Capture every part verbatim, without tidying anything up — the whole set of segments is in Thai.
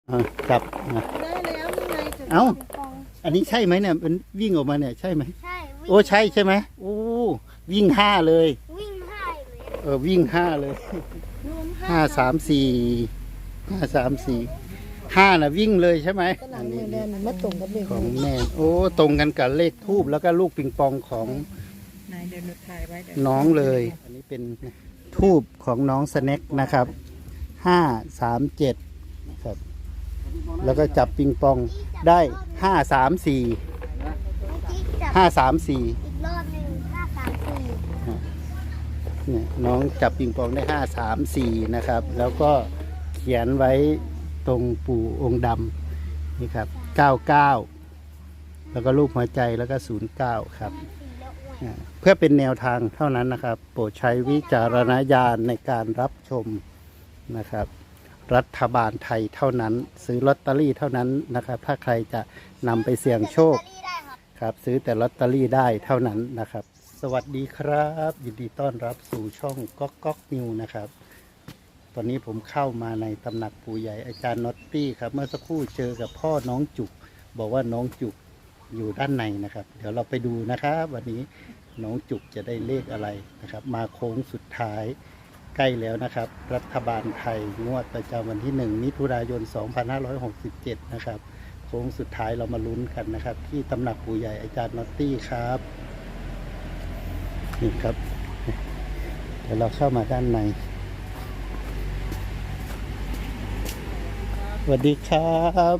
อ่าจับนะได้แล้วยังไงจะเอ้าปิงปองอันนี้ใช่ไหมเนี่ยมันวิ่งออกมาเนี่ยใช่ไหมใช่วิ่งโอ้ใช่ใช่ไหมโอ้วิ่งห้าเลยวิ่งห้าเลยเออวิ่งห้าเลยรวมห้าสามสี่ห้าสามสี่ห้าน่ะวิ่งเลยใช่ไหมก็หนัอังนมืนี้อเดินมาตรงกับเด็กของแม่โอ้ตรงกันกับเลขทูบแล้วก็ลูกปิงปองของนายเดินถ่ายไว้เดี๋ยวน้องเลย อันนี้เป็นทูบของน้องสแน็คนะครับห้าสามเจ็ดครับแล้วก็จับปิงปองได้ห้าสามสี่ห้าสามสี่อีกรอบหนึ่งห้าสามสี่เนี่ยน้องจับปิงปองได้ห้าสามสี่นะครับ แล้วก็เขียนไว้ตรงปู่องค์ดำนี่ครับเก้าเก้าแล้วก็รูปหัวใจแล้วก็ศูนย์เก้าครับอ่าเพื่อเป็นแนวทางเท่านั้นนะครับ โปรดใช้วิจารณญาณในการรับชมนะครับ รัฐบาลไทยเท่านั้น ซื้อลอตเตอรี่เท่านั้นนะครับ ถ้าใครจะนำไปเสี่ยงโชค ครับซื้อแต่ลอตเตอรี่ได้เท่านั้นนะครับ สวัสดีครับ ยินดีต้อนรับสู่ช่องก๊อกก๊อกนิวนะครับ ตอนนี้ผมเข้ามาในตำหนักปู่ใหญ่อาจารย์น็อตตี้ครับเมื่อสักครู่เจอกับพ่อน้องจุก บอกว่าน้องจุกอยู่ด้านในนะครับ เดี๋ยวเราไปดูนะครับวันนี้น้องจุกจะได้เลขอะไรนะครับ มาโค้งสุดท้ายใกล้แล้วนะครับ รัฐบาลไทยงวดประจำวันที่หนึ่งมิถุนายนสองพันห้าร้อยหกสิบเจ็ดนะครับ โค้งสุดท้ายเรามาลุ้นกันนะครับ ที่ตำหนักปู่ใหญ่อาจารย์น็อตตี้ครับนี่ครับ เดี๋ยวเราเข้ามาด้านในสวัสดีครับ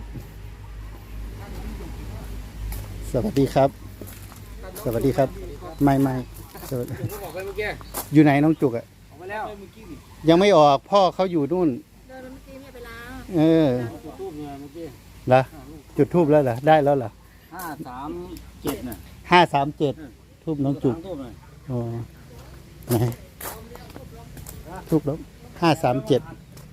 สวัสดีครับ สวัสดีครับ ไม่ไม่สวัสดีผมก็บอกไปเมื่อกี้อยู่ไหนน้องจุกอะออกมาแล้วเมื่อกี้นี่ยังไม่ออกพ่อเขาอยู่นู่นเดินเมื่อกี้ไม่ไปล้างเออจุดทูบเนี่ยเมื่อกี้เหรอจุดทูบแล้วเหรอได้แล้วเหรอห้าสามเจ็ดน่ะห้าสามเจ็ดทูบน้องจุกสามทูบเลยอ๋อไหนทูบแล้วห้าสามเจ็ด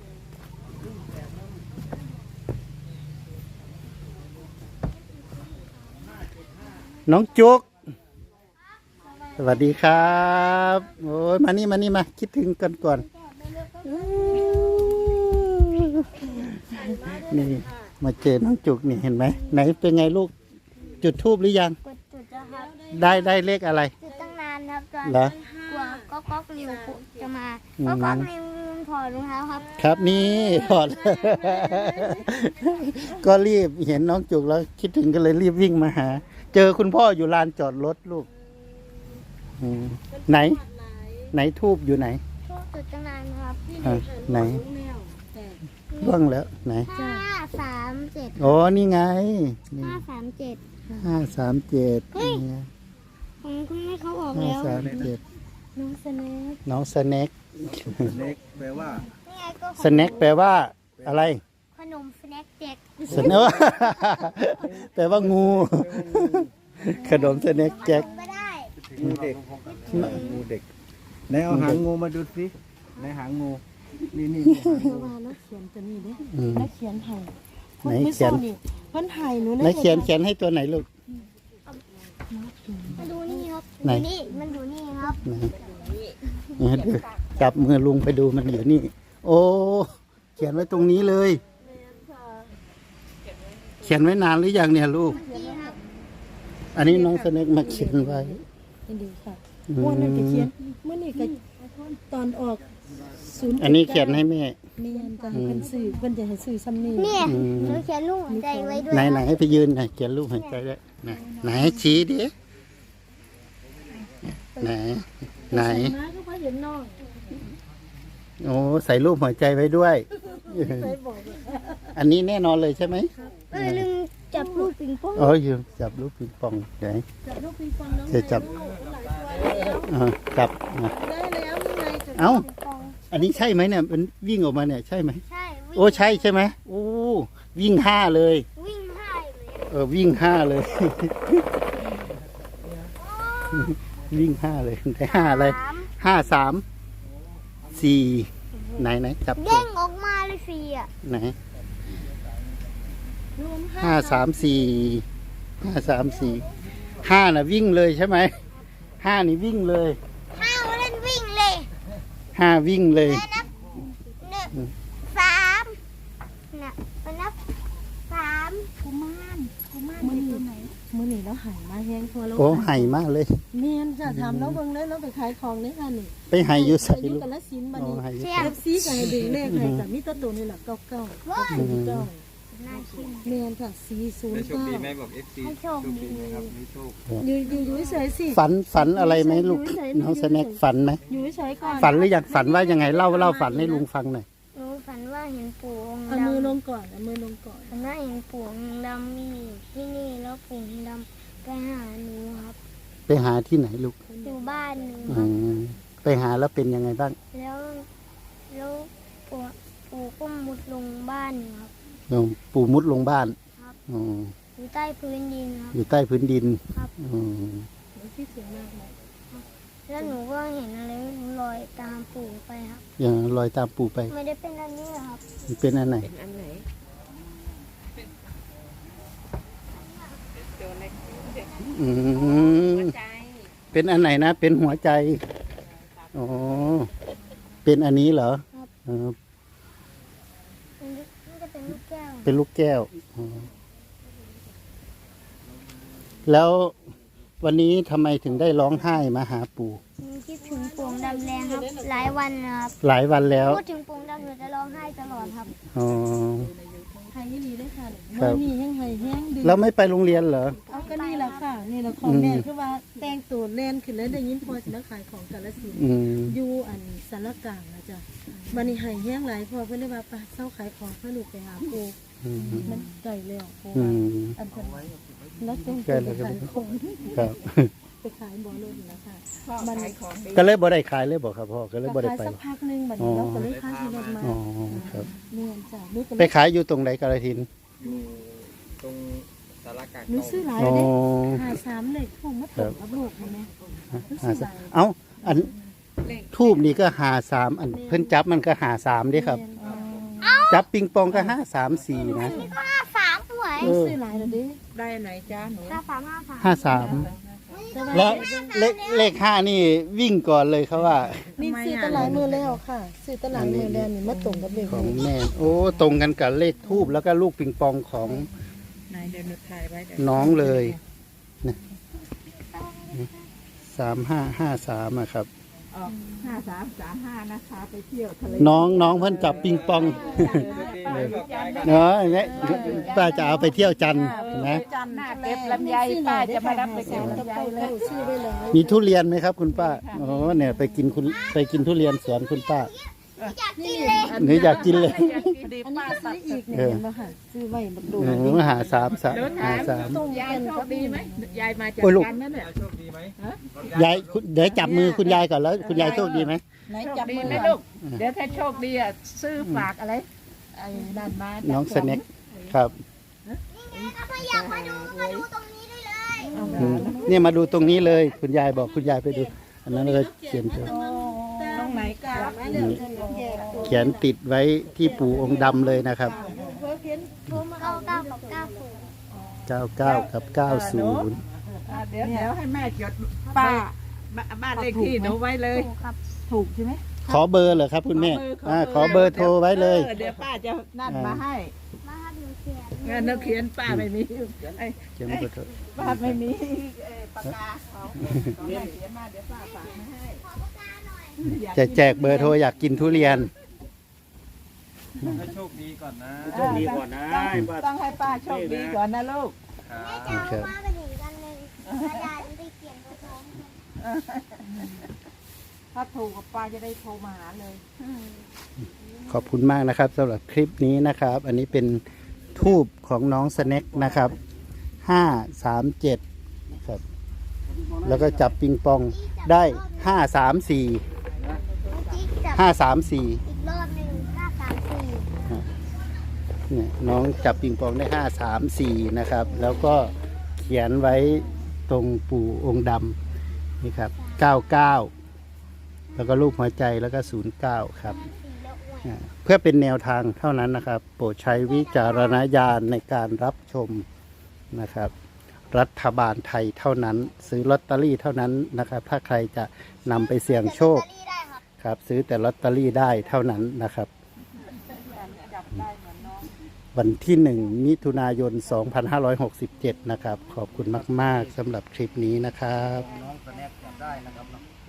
น้องจุก สวัสดีครับโอ้ยมานี่มานี่มาคิดถึงกันก่อนนี่มาเจอน้องจุกนี่เห็นไหมไหนเป็นไงลูกจุดทูบหรือยังกดจุดนะครับได้ได้เลขอะไรจุดตั้งนานครับตอนเหรอกลัวก็ก๊อกริวจะมาอืมก็ก๊อกริวถอดรองเท้าครับครับนี่ถอด ก็รีบเห็นน้องจุกแล้วคิดถึงก็เลยรีบวิ่งมาหา เจอคุณพ่ออยู่ลานจอดรถลูกอืมไหน ไหนทูบอยู่ไหนช่วงจุดตั้งนานครับอ่ะไหนล่วงแล้วไหนห้าสามเจ็ดโอ้นี่ไงนี่ห้าสามเจ็ดห้าสามเจ็ดของคุณแม่เขาออกห้าแล้วสามเจ็ดน้องสแน็คน้องสแน็คเล็กแปลว่านี่ไงก็สแน็คแปลว่าอะไรขนมสแน็คเด็กสแน็ค แปลว่างู ขนมสแน็คแจ็คก็ได้งูเด็กงูเด็กไหนเอาหางงูมาดูสิไหนหางงูนี่นี่ว่านักเขียนตัวนี้เด้อืมนักเขียนไห้ไหนเขียนเพิ่นไห้หนูไหนเขียนเขียนให้ตัวไหนลูกมาดูนี่ครับไหนดูนี่มันอยู่นี่ครับไหนนี่ดูจับมือลุงไปดูมันอยู่นี่ โอ้เขียนไว้ตรงนี้เลย เขียนไว้นานหรือยังเนี่ยลูกนี่ครับอันนี้น้องสแน็คมาเขียนไว้นี่ดีค่ะอืม่วนนั่นก็เขียมนเมื่อนี่ก็ตอนออกศูนย์อันนี้เขียนให้แม่เมียนจะให้เพิ่นซื้อเพิ่นจะให้ซื้อซ้ำนี่เนี่ยอืมหนูเขียนลูกหัวใจไว้ด้วยไหนครับไหนให้ไปยืนหน่อยเขียนรูปหัวใจด้วยไหนไหนชี้ดิไหนไหนมาก็ว่าเห็นน้องโอ้ใส่รูปหัวใจไว้ด้วยไปบอกอันนี้แน่นอนเลยใช่ไหมเออลืมจับลูกปิงปองโอ้ยจับลูกปิงปองไหนจับลูกปิงปองน้องจะจับอ่าจับอ่ะได้แล้วยังไงจุดเอ้าปิงปองอันนี้ใช่ไหมเนี่ยมันวิ่งออกมาเนี่ยใช่ไหมใช่วิ่งโอ้ใช่ใช่ไหมโอ้วิ่งห้าเลยวิ่งห้าเลยเออวิ่งห้าเลย วิ่งห้าเลยได้ห้าอะไรสามห้าสามสี่ไหนไหนจับตัเด้วงออกมาเลยสี่อ่ะไหนรวมห้าสามสี่ห้าสามสี่ห้าน่ะวิ่งเลยใช่ไหมห้านี่วิ่งเลยห้าเล่นวิ่งเลยห้าวิ่งเลยแล้วนับหนึ่งสามน่ะมันนับสามกุมารกุมารมือตัวไหนมือนี่เราหายมาแห้งทัวเราโอ้ไห่มากเลยเมียนจะทำแล้วเบิ่งเลยเราไปขายของนี่ค่ะนี่ไปไห่อยู่ใส่อายุลูกกันละสินบัดโอ้นี้ไห่อยู่เอฟซีก็ให้ดึงเลขให้กับมีแตัวตัวนี่แหละเก้าเก้าเก้าศูนย์เก้าน่าชิมเมียนค่ะสี่ศูนได้ย์โชคเก้าดีไหมบอก เอฟ ซีให้โชคดีไหมครับมีโชคอยู่อยู่อยู่เฉยๆสิฝันฝันอะไรไหมลูกน้องสแน็คฝันไหมอยู่เฉยๆก่อนฝันหรือยังฝันว่ายังไงเล่าเล่าฝันให้ลุงฟังหน่อยหนูฝันว่าเห็นปู่องค์เอาดำมือลงก่อนเอามือลงก่อนฝันว่าเห็นปู่องค์ดำมีอยู่ที่นี่แล้วปู่องค์ดำไปหาหนูครับไปหาที่ไหนลูกอยู่บ้านหนูคอืรับมไปหาแล้วเป็นยังไงบ้างแล้วแล้วปู่ปู่ก็มุดลงบ้านหนูครับโยมปู่มุดลงบ้านครับอ๋ออยู่ใต้พื้นดินครับอยู่ใต้พื้นดินครับอืมเดี๋ยวพี่เสียงมากเลยแล้วหนูก็เห็นอะไรไม่รู้ลอยตามปู่ไปครับอย่างลอยตามปู่ไปไม่ได้เป็นอันนี้หรอกครับมันเป็นอันไหนอันไหนอืมใจเป็นอันไหนนะ เป็นหัวใจอ๋อเป็นอันนี้เหรอเออมันน่าจะเป็นลูกแก้วเป็นลูกแก้วอ๋อแล้ววันนี้ทำไมถึงได้ร้องไห้มาหาปู่หนูคิดถึงปู่องค์ดำแรงครับ หลายวันนะครับหลายวันแล้วพูดถึงปู่องค์ดำหนูจะร้องไห้ตลอดครับอ๋อไห้ดีได้ค่ะครัมือบ นี่ยังไห้แห้งดึงแล้วไม่ไปโรงเรียนเหรอเอาก็นี่แหละค่ะ นี่แหละของแม่คือว่าแต่งตัวแน่นขึ้นแล้วได้ยินพอสิมาขายของกาฬสินธุ์อืมอยู่อันสารกลางนะจ๊ะมันนี่ไห้แห้งหลายพอเพิ่นเลยว่าไปเศร้าขายของเพื่อลูกไปหาปูอืมมันไก่แล้วปูอืมอันเพิ่นแล้วแต่งใกล้ตัวแล้วไปครับขายของครับไปขายบ่อรุ่นแล้วค่ะพ่อมันขายของดีก็เลยบ่ได้ขายเลยบอกครับพ่อ ก็เลยบ่ได้ขายไปสักพักหนึงบัดนี้เราก็เลยพาที่รถมาอ๋อครับเนียนจ้ะนี่ก็ไปขายอยู่ตรงไหนกาฬสินธุ์ตรงสารกลางหนูซื้อหลายอ๋อเด้หาสามเลยถูกมาถูกกับลูกเห็นไหมหนูซื้อหลายเอ้า อันทูบนี่ก็หาสามอันเพิ่นจับมันก็หาสามเด้ครับอ๋อจับปิงปองก็ห้าสามสี่นะนี่ก็ห้าสามสวยเออซื้อหลายแล้วเดิได้ไหนจ้าหนูห้าสามห้าสามห้าสามแล้วเลขเลขห้านี่วิ่งก่อนเลยเขาว่านี่ซื้อตลาดมือแล้วค่ะซื้อตลาดมือแล้วนี่มาตรงกับเลขของแม่ โอ้ ตรงกันกับเลขทูบแล้วก็ลูกปิงปองของไหนเดี๋ยวหนูถ่ายไว้เดี๋ยวน้องเลยนะสามห้าห้าสามอะครับออกห้าสามสามห้านะคะไปเที่ยวทะเลน้องน้องเพิ่นจับปิงปอง เนาะเนี่ยป้าจะเอาไปเที่ยวจันทร์นะจันหน้าเก็บลำไยป้าจะมารับไปเก็บลำไยเลยซื้อไว้เลยมีทุเรียนไหมครับ คุณป้าอ๋อเนี่ยไปกินคุณไปกินทุเรียนสวนคุณป้าอยากกินเลยหรืออยากกินเลยดีอันนี้ป้าก็ตัซื้ดออีกเนี่ยเห็นป่ะค่ะซื้อไว้บักดูโอ้หาสามสามหาสามตรงยายกันโชครัคบดีไหมยายมาจากโอ้ยลูกกันนั่นแหละโชคดีไหมยายคุณเดี๋ยวจับมือคุณยายก่อนแล้ว คุณยายโชคดีไหมไหนจับมือไหมลูกเดี๋ยวถ้าโชคดีอ่ะซื้อฝากอะไรไอ้นั่นมาน้องสแน็คครับถ้าไม่อยากมาดูมาดูตรงนี้ได้เลยอืมเนี่ยมาดูตรงนี้เลย คุณยายบอกคุณยายไปดู อันนั้นก็เขียนตัวตรงไหนกาเขียนติดไว้ที่ปู่องค์ดำเลยนะครับเก้าเก้ากับเก้าศูนย์เก้าเก้ากับเก้าศูนย์อ่ะเดี๋ยวเดี๋ยวให้แม่จดป้าบ้านเลขที่หนูไว้เลยถูกครับถูกใช่ไหมขอเบอร์เหรอครับ คุณแม่อ่าขอเบอร์โทรไว้เลยออเดี๋ยวป้าจะนั่นมาให้มาครับหนูเขียนเงินเราเขียนป้าไม่มีไอ้เขียนเบอร์โทรป้าไม่มีเอ่อปากกาเขาเดี๋ยวเขียนมาเดี๋ยวป้าฝากมาให้จะแจกเบอร์โทรอยากกินทุเรียนให้โชคดีก่อนนะโชคดีก่อนนะต้องให้ป้าโชคดีก่อนนะลูกแม่จะเอามากันอีกกันหนึ่งกระดาษได้เขียนตัวโน้มถ้าถูกกับป้าจะได้โทรมาหาเลยขอบคุณมากนะครับสำหรับคลิปนี้นะครับ อันนี้เป็นทูบของน้องสแน็คนะครับห้าสามเจ็ดครับแล้วก็จับปิงปองได้ห้าสามสี่เมื่อกี้จับห้าสามสี่อีกรอบหนึ่งห้าสามสี่เนี่ยน้องจับปิงปองได้ห้าสามสี่นะครับ แล้วก็เขียนไว้ตรงปู่องค์ดำนี่ครับเก้าเก้าแล้วก็รูปหัวใจแล้วก็ศูนย์เก้าครับสี่แล้วอ้วนอ่าเพื่อเป็นแนวทางเท่านั้นนะครับ โปรดใช้วิจารณญาณในการรับชมนะครับ รัฐบาลไทยเท่านั้น ซื้อลอตเตอรี่เท่านั้นนะครับ ถ้าใครจะนำไปเสี่ยงโชคลอตเตอรี่ได้ครับครับ ซื้อแต่ลอตเตอรี่ได้เท่านั้นนะครับจับได้เหมือนน้องโวันที่หนึ่งมิถุนายน สองพันห้าร้อยหกสิบเจ็ด นะครับ ขอบคุณมาก ๆสำหรับคลิปนี้นะครับน้องสแน็คจับได้นะครับ